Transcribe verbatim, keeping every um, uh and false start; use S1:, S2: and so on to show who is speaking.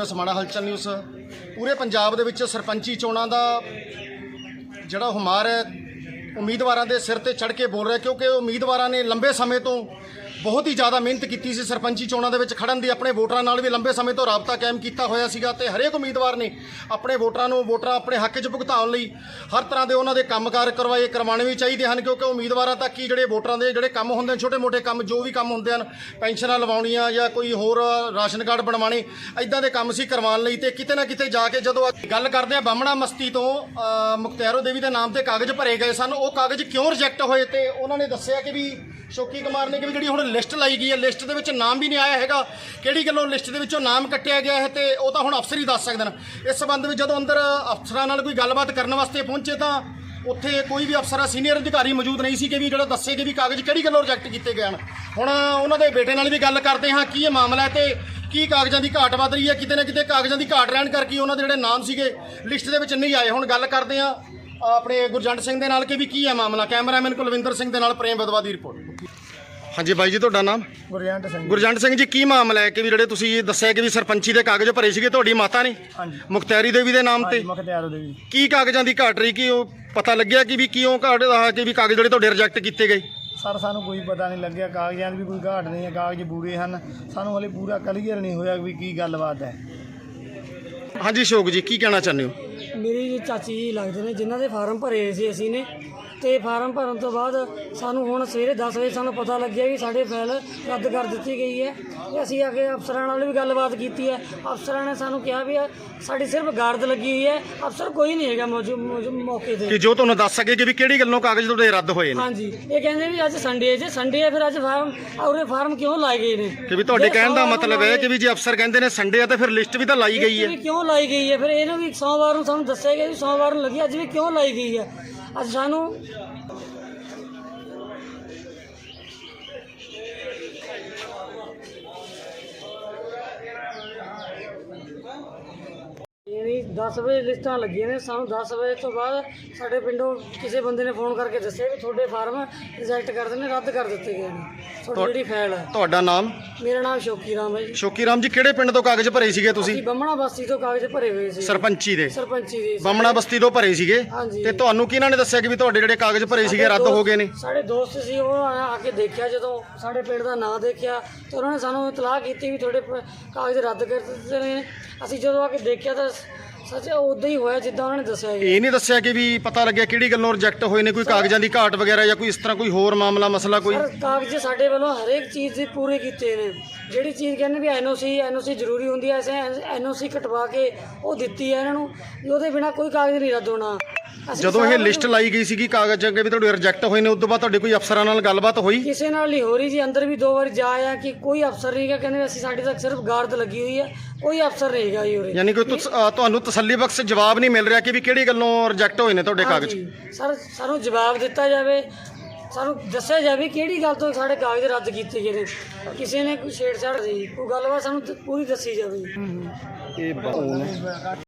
S1: ਰਹੇ ਹੋ ਸਮਾਣਾ ਹਲਚਲ ਨਿਊਜ਼। ਪੂਰੇ ਪੰਜਾਬ ਦੇ ਵਿੱਚ ਸਰਪੰਚੀ ਚੋਣਾਂ ਦਾ ਜਿਹੜਾ ਹੁਮਾਰ ਹੈ ਉਮੀਦਵਾਰਾਂ ਦੇ ਸਿਰ ਤੇ ਚੜ੍ਹ ਕੇ ਬੋਲ ਰਿਹਾ, ਕਿਉਂਕਿ ਉਮੀਦਵਾਰਾਂ ਨੇ ਲੰਬੇ ਸਮੇਂ ਤੋਂ ਬਹੁਤ ਹੀ ਜ਼ਿਆਦਾ ਮਿਹਨਤ ਕੀਤੀ ਸੀ ਸਰਪੰਚੀ ਚੋਣਾਂ ਦੇ ਵਿੱਚ ਖੜਨ ਦੀ। ਆਪਣੇ ਵੋਟਰਾਂ ਨਾਲ ਵੀ ਲੰਬੇ ਸਮੇਂ ਤੋਂ ਰਾਬਤਾ ਕਾਇਮ ਕੀਤਾ ਹੋਇਆ ਸੀਗਾ ਤੇ ਹਰੇਕ ਉਮੀਦਵਾਰ ਨੇ ਆਪਣੇ ਵੋਟਰਾਂ ਨੂੰ ਵੋਟਰਾਂ ਆਪਣੇ ਹੱਕ 'ਚ ਭੁਗਤਾਉਣ ਲਈ ਹਰ ਤਰ੍ਹਾਂ ਦੇ ਉਹਨਾਂ ਦੇ ਕੰਮਕਾਰ ਕਰਵਾਏ ਕਰਵਾਉਣੇ ਵੀ ਚਾਹੀਦੇ ਹਨ, ਕਿਉਂਕਿ ਉਮੀਦਵਾਰਾਂ ਤੱਕ ਹੀ ਜਿਹੜੇ ਵੋਟਰਾਂ ਦੇ ਜਿਹੜੇ ਕੰਮ ਹੁੰਦੇ ਨੇ, ਛੋਟੇ ਮੋਟੇ ਕੰਮ ਜੋ ਵੀ ਕੰਮ ਹੁੰਦੇ ਹਨ, ਪੈਨਸ਼ਨਾਂ ਲਵਾਉਣੀਆਂ ਜਾਂ ਕੋਈ ਹੋਰ ਰਾਸ਼ਨ ਕਾਰਡ ਬਣਵਾਉਣੇ, ਇੱਦਾਂ ਦੇ ਕੰਮ ਸੀ ਕਰਵਾਉਣ ਲਈ। ਤੇ ਕਿਤੇ ਨਾ ਕਿਤੇ ਜਾ ਕੇ ਜਦੋਂ ਗੱਲ ਕਰਦੇ ਆ ਬਾਹਮਣਾ ਮਸਤੀ ਤੋਂ ਮੁਖਤਿਆਰੋ ਦੇਵੀ ਦੇ ਨਾਮ ਤੇ ਕਾਗਜ਼ ਭਰੇ ਗਏ ਸਨ, ਉਹ ਕਾਗਜ਼ ਕਿਉਂ ਰਿਜੈਕਟ ਹੋਏ? ਤੇ ਉਹਨਾਂ ਨੇ ਦੱਸਿਆ ਕਿ ਵੀ ਸ਼ੋਕੀ ਕੁਮਾਰ ਨੇ ਕਿ ਵੀ ਜਿਹੜੀ ਹੁਣ ਲਿਸਟ ਲਾਈ ਗਈ ਹੈ, ਲਿਸਟ ਦੇ ਵਿੱਚ ਨਾਮ ਵੀ ਨਹੀਂ ਆਇਆ ਹੈਗਾ, ਕਿਹੜੀ ਗੱਲੋਂ ਲਿਸਟ ਦੇ ਵਿੱਚੋਂ ਨਾਮ ਕੱਟਿਆ ਗਿਆ ਹੈ, ਤੇ ਉਹ ਤਾਂ ਹੁਣ ਅਫਸਰ ਹੀ ਦੱਸ ਸਕਦੇ ਨੇ। ਇਸ ਸੰਬੰਧ ਵਿੱਚ ਜਦੋਂ ਅੰਦਰ ਅਫਸਰਾਂ ਨਾਲ ਕੋਈ ਗੱਲਬਾਤ ਕਰਨ ਵਾਸਤੇ ਪਹੁੰਚੇ ਤਾਂ ਉੱਥੇ ਕੋਈ ਵੀ ਅਫਸਰ ਸੀਨੀਅਰ ਅਧਿਕਾਰੀ ਮੌਜੂਦ ਨਹੀਂ ਸੀ ਕਿ ਵੀ ਜਿਹੜਾ ਦੱਸੇ ਕਿ ਵੀ ਕਾਗਜ਼ ਕਿਹੜੀ ਗੱਲੋਂ ਰਿਜੈਕਟ ਕੀਤੇ ਗਏ ਹਨ। ਹੁਣ ਉਹਨਾਂ ਦੇ ਬੇਟੇ ਨਾਲ ਵੀ ਗੱਲ ਕਰਦੇ ਹਾਂ ਕੀ ਇਹ ਮਾਮਲਾ ਹੈ ਤੇ ਕੀ ਕਾਗਜ਼ਾਂ ਦੀ ਘਾਟ ਵੱਧ ਰਹੀ ਹੈ। ਕਿਤੇ ਨਾ ਕਿਤੇ ਕਾਗਜ਼ਾਂ ਦੀ ਘਾਟ ਰਹਿਣ ਕਰਕੇ ਉਹਨਾਂ ਦੇ ਜਿਹੜੇ ਨਾਮ ਸੀਗੇ ਲਿਸਟ ਦੇ ਵਿੱਚ ਨਹੀਂ ਆਏ। ਹੁਣ ਗੱਲ ਕਰਦੇ ਹਾਂ ਆਪਣੇ ਗੁਰਜੰਟ ਸਿੰਘ ਦੇ ਨਾਲ ਕਿ ਵੀ ਕੀ ਹੈ ਮਾਮਲਾ। ਕੈਮਰਾਮੈਨ ਕੁਲਵਿੰਦਰ ਸਿੰਘ ਦੇ ਨਾਲ ਪ੍ਰੇਮ ਬਦਵਾ ਦੀ ਰਿਪੋਰਟ। ਹਾਂਜੀ ਬਾਈ ਜੀ, ਤੁਹਾਡਾ ਨਾਮ?
S2: ਗੁਰਜੰਟ ਸਿੰਘ।
S1: ਗੁਰਜੰਟ ਸਿੰਘ ਜੀ, ਕੀ ਮਾਮਲਾ ਹੈ ਕਿ ਵੀ ਜਿਹੜੇ ਤੁਸੀਂ ਦੱਸਿਆ ਕਿ ਵੀ ਸਰਪੰਚੀ ਦੇ ਕਾਗਜ਼ ਭਰੇ ਸੀਗੇ ਤੁਹਾਡੀ ਮਾਤਾ ਨੇ?
S2: ਹਾਂਜੀ।
S1: ਮੁਖਤਿਆਰੀ ਦੇਵੀ ਦੇ ਨਾਮ ਤੇ?
S2: ਮੁਖਤਿਆਰੋ ਦੇਵੀ।
S1: ਕੀ ਕਾਗਜ਼ਾਂ ਦੀ ਘਾਟ ਰਹੀ? ਕਿ ਉਹ ਪਤਾ ਲੱਗਿਆ ਕਿ ਵੀ ਕਿਉਂ ਘਾਟ ਆ ਕਿ ਵੀ ਕਾਗਜ਼ ਜਿਹੜੇ ਤੁਹਾਡੇ ਰਿਜੈਕਟ ਕੀਤੇ ਗਏ?
S2: ਸਰ ਸਾਨੂੰ ਕੋਈ ਪਤਾ ਨਹੀਂ ਲੱਗਿਆ, ਕਾਗਜ਼ਾਂ ਦੀ ਵੀ ਕੋਈ ਘਾਟ ਨਹੀਂ ਹੈ, ਕਾਗਜ਼ ਪੂਰੇ ਹਨ। ਸਾਨੂੰ ਹਲੇ ਪੂਰਾ ਕਲੀਅਰ ਨਹੀਂ ਹੋਇਆ ਵੀ ਕੀ ਗੱਲਬਾਤ ਹੈ।
S1: ਹਾਂਜੀ ਅਸ਼ੋਕ ਜੀ, ਕੀ ਕਹਿਣਾ ਚਾਹੁੰਦੇ ਹੋ?
S3: ਮੇਰੀ ਚਾਚੀ ਜੀ ਲੱਗਦੇ ਨੇ ਜਿਨ੍ਹਾਂ ਦੇ ਫਾਰਮ ਭਰੇ ਸੀ ਅਸੀਂ ਨੇ, ਤੇ ਫਾਰਮ ਭਰਨ ਤੋਂ ਬਾਅਦ ਸਾਨੂੰ ਹੁਣ ਸਵੇਰੇ ਦਸ ਵਜੇ ਸਾਨੂੰ ਪਤਾ ਲੱਗਿਆ ਵੀ ਸਾਡੇ ਫਾਈਲ ਰੱਦ ਕਰ ਦਿੱਤੀ ਗਈ ਹੈ। ਤੇ ਅਸੀਂ ਆ ਕੇ ਅਫਸਰਾਂ ਨਾਲ ਵੀ ਗੱਲਬਾਤ ਕੀਤੀ ਹੈ। ਅਫਸਰਾਂ ਨੇ ਸਾਨੂੰ ਕਿਹਾ ਵੀ ਸਾਡੀ ਸਿਰਫ ਗਾਰਦ ਲੱਗੀ ਹੋਈ ਹੈ, ਅਫਸਰ ਕੋਈ ਨਹੀਂ ਹੈਗਾ ਮੌਜੂਦ ਮੌਕੇ 'ਤੇ
S1: ਕਿ ਜੋ ਤੁਹਾਨੂੰ ਦੱਸ ਸਕੇ ਕਿ ਵੀ ਕਿਹੜੀ ਗੱਲੋਂ ਕਾਗਜ਼ ਤੁਹਾਡੇ ਰੱਦ ਹੋਏ ਨੇ?
S3: ਹਾਂਜੀ, ਇਹ ਕਹਿੰਦੇ ਵੀ ਅੱਜ ਸੰਡੇ ਜੇ ਸੰਡੇ ਹੈ ਫਿਰ ਅੱਜ ਫਾਰਮ ਔਰੇ ਫਾਰਮ ਕਿਉਂ ਲਾਏ ਗਏ ਨੇ?
S1: ਕਿ ਵੀ ਤੁਹਾਡੇ ਕਹਿਣ ਦਾ ਮਤਲਬ ਹੈ ਕਿ ਵੀ ਜੇ ਅਫਸਰ ਕਹਿੰਦੇ ਨੇ ਸੰਡੇ ਆ ਤਾਂ ਫਿਰ ਲਿਸਟ ਵੀ ਤਾਂ ਲਾਈ ਗਈ ਹੈ।
S3: ਕਿਉਂ ਲਾਈ ਗਈ ਹੈ? ਫਿਰ ਇਹਨੂੰ ਵੀ ਸੋਮਵਾਰ ਨੂੰ ਸਾਨੂੰ ਦੱਸਿਆ ਗਿਆ ਵੀ ਸੋਮਵਾਰ ਨੂੰ ਲੱਗੀ, ਅੱਜ ਵੀ ਕਿਉਂ ਲਾਈ ਗਈ ਹੈ? ਅੱਜ ਸਾਨੂੰ ਯਾਨੀ ਦਸ ਵਜੇ ਲਿਸਟਾਂ ਲੱਗੀਆਂ ਨੇ। ਸਾਨੂੰ ਦਸ ਵਜੇ ਤੋਂ ਬਾਅਦ ਸਾਡੇ ਪਿੰਡੋਂ ਕਿਸੇ ਬੰਦੇ ਨੇ ਫੋਨ ਕਰਕੇ ਦੱਸਿਆ ਵੀ ਤੁਹਾਡੇ ਫਾਰਮ ਰਿਜੈਕਟ ਕਰ ਦਿੱਤੇ ਨੇ, ਰੱਦ ਕਰ ਦਿੱਤੇ ਗਏ ਨੇ। ਤੁਹਾਡੀ ਜਿਹੜੀ ਫਾਈਲ ਹੈ।
S1: ਤੁਹਾਡਾ ਨਾਮ?
S3: ਮੇਰਾ ਨਾਮ ਸ਼ੋਕੀ ਰਾਮ ਹੈ ਜੀ।
S1: ਸ਼ੋਕੀ ਰਾਮ ਜੀ, ਕਿਹੜੇ ਪਿੰਡ ਤੋਂ ਕਾਗਜ਼ ਭਰੇ ਸੀਗੇ ਤੁਸੀਂ?
S3: ਅਸੀਂ ਬਾਹਮਣਾ ਬਸਤੀ ਤੋਂ ਕਾਗਜ਼ ਭਰੇ ਹੋਏ ਸੀ।
S1: ਸਰਪੰਚੀ ਦੇ?
S3: ਸਰਪੰਚੀ ਦੇ
S1: ਬਾਹਮਣਾ ਬਸਤੀ ਤੋਂ ਭਰੇ ਸੀਗੇ।
S3: ਹਾਂਜੀ।
S1: ਤੇ ਤੁਹਾਨੂੰ ਕਿਹਨਾਂ ਨੇ ਦੱਸਿਆ ਕਿ ਵੀ ਤੁਹਾਡੇ ਜਿਹੜੇ ਕਾਗਜ਼ ਭਰੇ ਸੀਗੇ ਰੱਦ ਹੋ ਗਏ ਨੇ?
S3: ਸਾਡੇ ਦੋਸਤ ਸੀ, ਉਹ ਆ ਕੇ ਦੇਖਿਆ, ਜਦੋਂ ਸਾਡੇ ਪਿੰਡ ਦਾ ਨਾਂ ਦੇਖਿਆ ਤੇ ਉਹਨਾਂ ਨੇ ਸਾਨੂੰ ਇਤਲਾਹ ਕੀਤੀ ਵੀ ਤੁਹਾਡੇ ਕਾਗਜ਼ ਰੱਦ ਕਰ ਦਿੱਤੇ ਨੇ। ਅਸੀਂ ਜਦੋਂ ਆ ਕੇ ਦੇਖਿਆ ਤਾਂ ਸੱਚ ਉਦਾਂ ਹੀ ਹੋਇਆ ਜਿੱਦਾਂ ਉਹਨਾਂ ਨੇ ਦੱਸਿਆ।
S1: ਇਹ ਨਹੀਂ ਦੱਸਿਆ ਕਿ ਵੀ ਪਤਾ ਲੱਗਿਆ ਕਿਹੜੀ ਗੱਲੋਂ ਰਿਜੈਕਟ ਹੋਏ ਨੇ? ਕੋਈ ਕਾਗਜ਼ਾਂ ਦੀ ਘਾਟ ਵਗੈਰਾ ਜਾਂ ਕੋਈ ਇਸ ਤਰ੍ਹਾਂ ਕੋਈ ਹੋਰ ਮਾਮਲਾ ਮਸਲਾ ਕੋਈ?
S3: ਸਰ ਕਾਗਜ਼ ਸਾਡੇ ਵੱਲੋਂ ਹਰੇਕ ਚੀਜ਼ ਦੇ ਪੂਰੇ ਕੀਤੇ ਨੇ। ਜਿਹੜੀ ਚੀਜ਼ ਕਹਿੰਦੇ ਵੀ ਐਨ ਓ ਸੀ ਐਨ ਓ ਸੀ ਜ਼ਰੂਰੀ ਹੁੰਦੀ ਹੈ, ਅਸੀਂ ਐਨ ਓ ਸੀ ਕਟਵਾ ਕੇ ਉਹ ਦਿੱਤੀ ਹੈ ਇਹਨਾਂ ਨੂੰ। ਉਹਦੇ ਬਿਨਾਂ ਕੋਈ ਕਾਗਜ਼ ਨਹੀਂ ਰੱਦ ਹੋਣਾ।
S1: ਜਦੋਂ ਇਹ ਲਿਸਟ ਲਾਈ ਗਈ ਸੀਗੀ ਕਾਗਜ਼ ਅੱਗੇ ਵੀ ਤੁਹਾਡੇ ਰਿਜੈਕਟ ਹੋਏ ਨੇ, ਉਸ ਤੋਂ ਬਾਅਦ ਤੁਹਾਡੇ ਕੋਈ ਅਫਸਰਾਂ ਨਾਲ ਗੱਲਬਾਤ ਹੋਈ?
S3: ਕਿਸੇ ਨਾਲ ਨਹੀਂ ਹੋ ਰਹੀ ਜੀ। ਅੰਦਰ ਵੀ ਦੋ ਵਾਰ ਜਾ ਆਇਆ ਕਿ ਕੋਈ ਅਫਸਰ ਨਹੀਂ ਹੈਗਾ, ਕਹਿੰਦੇ ਅਸੀਂ ਸਾਡੇ ਤੱਕ ਸਿਰਫ ਗਾਰਦ ਲੱਗੀ ਹੋਈ ਹੈ, ਕੋਈ ਅਫਸਰ ਨਹੀਂ ਹੈਗਾ ਜੀ ਉਰੇ।
S1: ਯਾਨੀ ਕਿ ਤੁਹਾਨੂੰ ਤਸੱਲੀ ਬਖਸ਼ ਜਵਾਬ ਨਹੀਂ ਮਿਲ ਰਿਹਾ ਕਿ ਵੀ ਕਿਹੜੀ ਗੱਲੋਂ ਰਿਜੈਕਟ ਹੋਏ ਨੇ ਤੁਹਾਡੇ ਕਾਗਜ਼?
S3: ਸਰ ਸਾਨੂੰ ਜਵਾਬ ਦਿੱਤਾ ਜਾਵੇ, ਸਾਨੂੰ ਦੱਸਿਆ ਜਾਵੇ ਕਿਹੜੀ ਗੱਲ ਤੋਂ ਸਾਡੇ ਕਾਗਜ਼ ਰੱਦ ਕੀਤੇ ਗਏ ਨੇ। ਕਿਸੇ ਨੇ ਕੋਈ ਛੇੜਛਾੜ ਸੀ, ਕੋਈ ਗੱਲਬਾਤ ਸਾਨੂੰ ਪੂਰੀ ਦੱਸੀ ਜਾਵੇ।
S1: ਇਹ